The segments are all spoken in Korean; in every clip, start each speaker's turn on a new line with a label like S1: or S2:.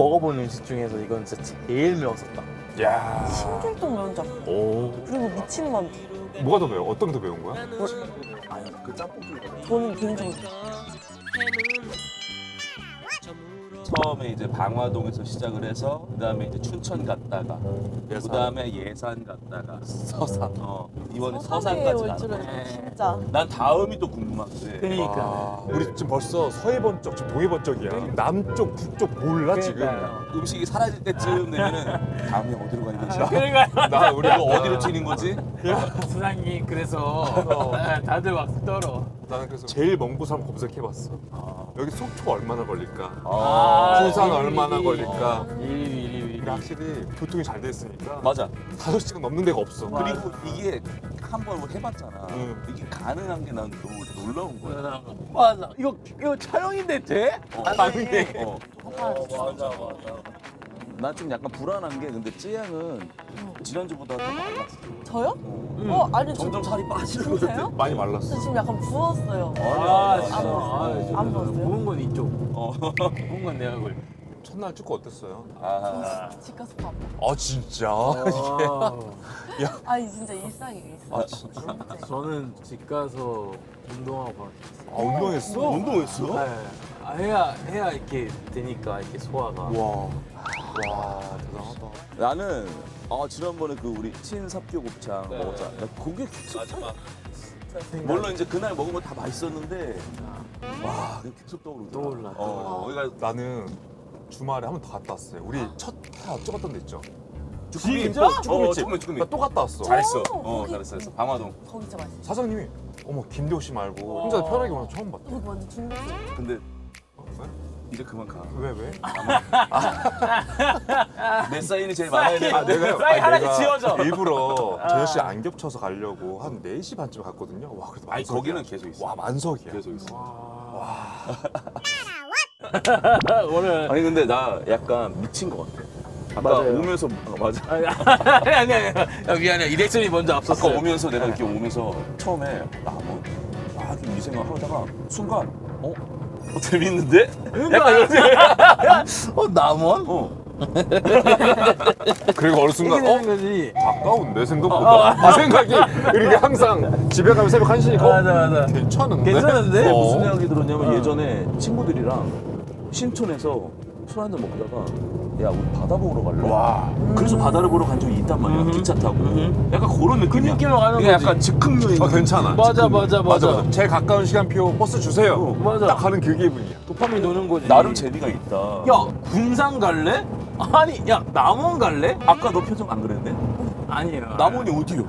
S1: 먹어본 음식 중에서 이건 진짜 제일 매웠었다.
S2: 야.
S3: 신길동 면장
S2: 오.
S3: 그리고 미친 만두.
S2: 뭐가 더 매워? 어떤 게 더 매운 거야?
S1: 아니 그 짬뽕
S3: 저는 개인적으로
S4: 처음에 이제 방화동에서 시작을 해서 그다음에 이제 춘천 갔다가 그다음에 예산 갔다가
S1: 서산.
S4: 이번에
S3: 서산에
S4: 서산까지
S3: 올
S4: 가는
S3: 줄은
S4: 거야.
S3: 진짜.
S4: 난 다음이 또 궁금한데.
S1: 그러니까.
S2: 와, 우리 지금 벌써 서해번쩍, 지금 동해번쩍이야. 남쪽, 북쪽 몰라
S1: 그러니까요.
S2: 지금.
S4: 음식이 사라질 때쯤 되면은 다음에 어디로 가는 거지?
S1: 그러니까
S2: 나 우리
S4: 이거 어디로 튀는 거지?
S1: 부장님 그래서 다들 막 떨어.
S2: 나는 그래서 제일 먼 곳을 한번 검색해봤어. 여기 속초 얼마나 걸릴까?
S1: 아,
S2: 부산
S1: 미리,
S2: 얼마나
S1: 미리.
S2: 걸릴까?
S1: 미리.
S2: 근데 확실히 교통이 잘 돼 있으니까
S4: 맞아.
S2: 5시간 넘는 데가 없어.
S4: 그리고 이게 한번 해봤잖아.
S2: 응.
S4: 이게 가능한 게 난 너무 놀라운 거야.
S1: 맞아. 이거 촬영인데 돼? 아닌데.
S4: 맞아. 난 좀 약간 불안한 게 근데 찌양은 지난주보다 더 말랐어.
S3: 저요? 아니
S4: 점점 살이 빠지는 거
S3: 진짜요?
S4: 같아.
S2: 많이
S3: 저
S2: 말랐어.
S3: 지금 약간 부었어요.
S1: 아,
S4: 진짜.
S3: 안 먹었어요?
S1: 부은 건 이쪽. 부은 건 내 얼굴.
S2: 첫날 축구 어땠어요?
S3: 집 가서 밥.
S2: 아 진짜?
S3: 아니 진짜 일상이에요 일상. 진짜.
S1: 저는 집 가서 운동하고
S2: 아 운동했어?
S4: 운동했어?
S1: 네. 해야 이렇게 되니까 이렇게 소화가.
S2: 와 대단하다.
S4: 나는 지난번에 그 우리 친삽교 곱창 먹었잖아. 나 그게 계속 물론 이제 그날 먹은 거 다 맛있었는데 와 그게 계속 떠오르더라.
S1: 떠올라.
S4: 그러니까
S2: 나는 주말에 한 번 더 갔다 왔어요. 우리 첫 해 어쩌갔던 데 있죠?
S1: 진짜?
S2: 쭈꾸미집. 나 또 갔다 왔어.
S4: 잘했어.
S3: 거기-
S4: 잘했어. 방화동.
S3: 거기 진짜 맛있어.
S2: 사장님이 어머 김대호 씨 말고 혼자 편하게 와서 처음 봤대.
S3: 거기 완전 중국집.
S4: 근데
S2: 왜?
S4: 이제 그만 가.
S2: 왜 왜?
S4: 내 사인이 제일 많아야 돼.
S2: 내가
S1: 사인 하나씩 지워져.
S2: 일부러 저녁 시 안 겹쳐서 가려고 한 4시 반쯤에 갔거든요. 와 그래도
S4: 아니
S2: 만석이야.
S4: 거기는 계속 있어.
S2: 와 만석이야.
S4: 계속 있어.
S1: 오늘
S4: 아니 근데 나 약간 미친 것 같아. 아까
S1: 맞아요.
S4: 오면서 맞아.
S1: 아니. 야, 미안해. 이렉션이 먼저
S4: 아까
S1: 앞섰어.
S4: 오면서 내가 이렇게 오면서 처음에 좀 이 생각 하다가 순간 재밌는데? 약간 이런 생각.
S1: 남원?
S2: 그리고 어느 순간
S1: 이게 되는 거지.
S2: 가까운데 생각보다. 이 생각이 이렇게 항상 집에 가면 새벽 1시니까
S1: 맞아.
S2: 괜찮은데?
S1: 괜찮은데?
S4: 무슨 생각이 들었냐면 예전에 친구들이랑 신촌에서 술 한잔 먹다가 야 우리 바다 보러 갈래?
S2: 와.
S4: 그래서 바다를 보러 간 적이 있단 말이야. 기차 타고. 약간 그런 느낌이야.
S1: 느낌으로 가는
S4: 그게
S1: 거지.
S4: 약간 즉흥 여행.
S2: 괜찮아.
S1: 맞아.
S2: 제일 가까운 시간표 버스 주세요.
S1: 맞아.
S2: 딱 가는 그 기분이야.
S1: 도파민 도는 거지.
S4: 나름 재미가 있다.
S1: 야, 군산 갈래? 아니, 야, 남원 갈래?
S4: 아까 너 표정 안 그랬는데?
S1: 아니에요.
S4: 남원이 어디요?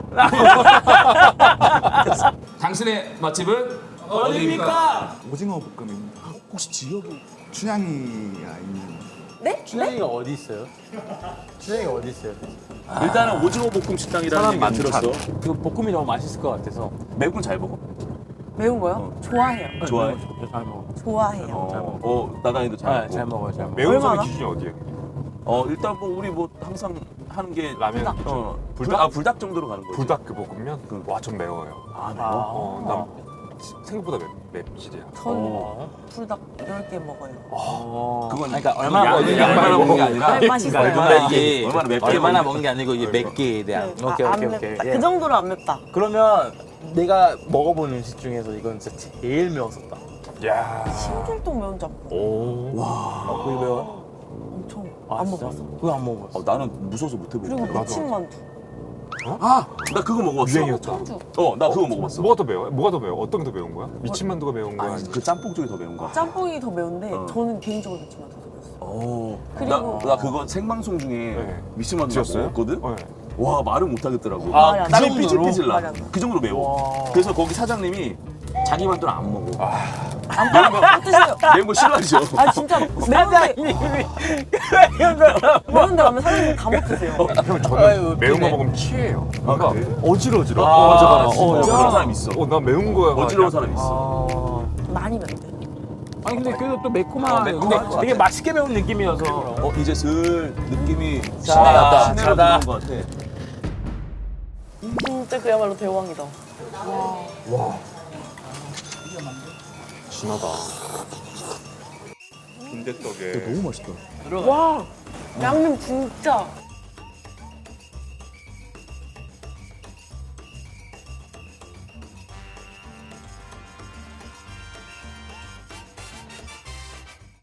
S4: 당신의 맛집은
S1: 어디입니까?
S5: 오징어 볶음입니다.
S4: 혹시 지역이?
S5: 춘향이가 있는
S3: 네?
S1: 춘향이가 어디 있어요? 춘향이가 어디 있어요?
S4: 일단은 오징어 볶음 식당이라는
S2: 사람
S4: 얘기
S2: 많잖아.
S4: 들었어.
S1: 그 볶음이 너무 맛있을 것 같아서.
S4: 매운 건 잘 먹어?
S3: 매운 거요? 좋아해요.
S4: 좋아해?
S1: 잘 먹어.
S3: 좋아해요.
S4: 나단이도 잘 먹고.
S1: 잘 먹어요, 잘 먹어.
S2: 매운맛의
S3: 얼마나?
S2: 기준이 어디예요?
S4: 일단 뭐 우리 뭐 항상 하는 게
S2: 라면.
S4: 불닭? 불닭 정도로 가는 거지.
S2: 불닭 그 볶음면? 와 좀 매워요.
S4: 아, 매워?
S2: 난 생각보다 맵찔이야.
S3: 전 불닭 10개 먹어요.
S4: 그건
S1: 그러니까 얼마나
S4: 양-
S1: 먹는 게
S4: 양만
S1: 아니라
S4: 먹는 게 아니라
S3: 맛있어요.
S1: 얼마나 이게
S4: 얼마나 맵게
S1: 얼마나
S4: 먹는
S1: 먹는 게 아니고 이게 몇 개에 대한.
S3: 네. 안 맵다. 그 정도로 안 맵다.
S1: 그러면 내가 먹어본 음식 중에서 이건 진짜 제일 매웠었다.
S2: 야.
S3: 신길동 면장
S1: 오. 와. 그게 매워?
S3: 엄청
S1: 아,
S3: 안
S1: 진짜?
S3: 먹었어.
S1: 그거 안 먹어봤어.
S4: 나는 무서워서 못
S3: 그리고
S4: 해보고.
S3: 미친 만두.
S4: 나 그거 먹어봤어.
S2: 유행이었다.
S3: 청주.
S4: 나 그거 먹어봤어.
S2: 뭐가 더 매워요? 뭐가 더 매워? 어떤 게 더 매운 거야? 미친만두가 매운 거야?
S4: 아니 그 짬뽕 쪽이 더 매운 거야.
S3: 짬뽕이 더 매운데
S4: 어.
S3: 저는 개인적으로 미친 만두 더 매웠어요.
S4: 그리고
S3: 그리고-
S4: 나 그거 생방송 중에
S2: 네.
S4: 미스만두
S2: 드셨어요?
S4: 먹었거든.
S2: 네.
S4: 와 말을 못 하겠더라고.
S1: 아,
S3: 말이 안
S1: 그
S3: 나.
S4: 땀이
S1: 정도로?
S4: 삐질삐질
S3: 말이
S4: 나.
S3: 안 나.
S4: 그 정도로 매워.
S1: 와.
S4: 그래서 거기 사장님이 자기 만두는 안 먹어.
S3: 안 드세요.
S4: 매운 거 싫어하죠.
S3: 아 진짜 매운데 매운데 가면 사장님 다 못 드세요.
S2: 형 저는
S1: 아유,
S2: 매운 거
S1: 웃기네.
S2: 먹으면 취해요. 뭔가
S4: 그래?
S2: 어지러지러.
S1: 아,
S4: 진짜
S1: 진짜?
S4: 그런 사람 있어.
S2: 나 매운 거야.
S4: 어지러운 사람 있어.
S1: 아.
S3: 많이 맵대.
S1: 아니 근데 그래도 또 매콤한.
S4: 아, 매콤한
S1: 근데
S4: 것
S1: 되게
S4: 같아.
S1: 맛있게 매운 느낌이어서.
S4: 이제 슬 느낌이
S1: 자다,
S4: 시내로
S1: 자다.
S4: 들어온 것 같아.
S3: 진짜 그야말로 대왕이다.
S2: 와. 진하다.
S6: 빈대떡에
S4: 너무 맛있다.
S3: 와 양념 진짜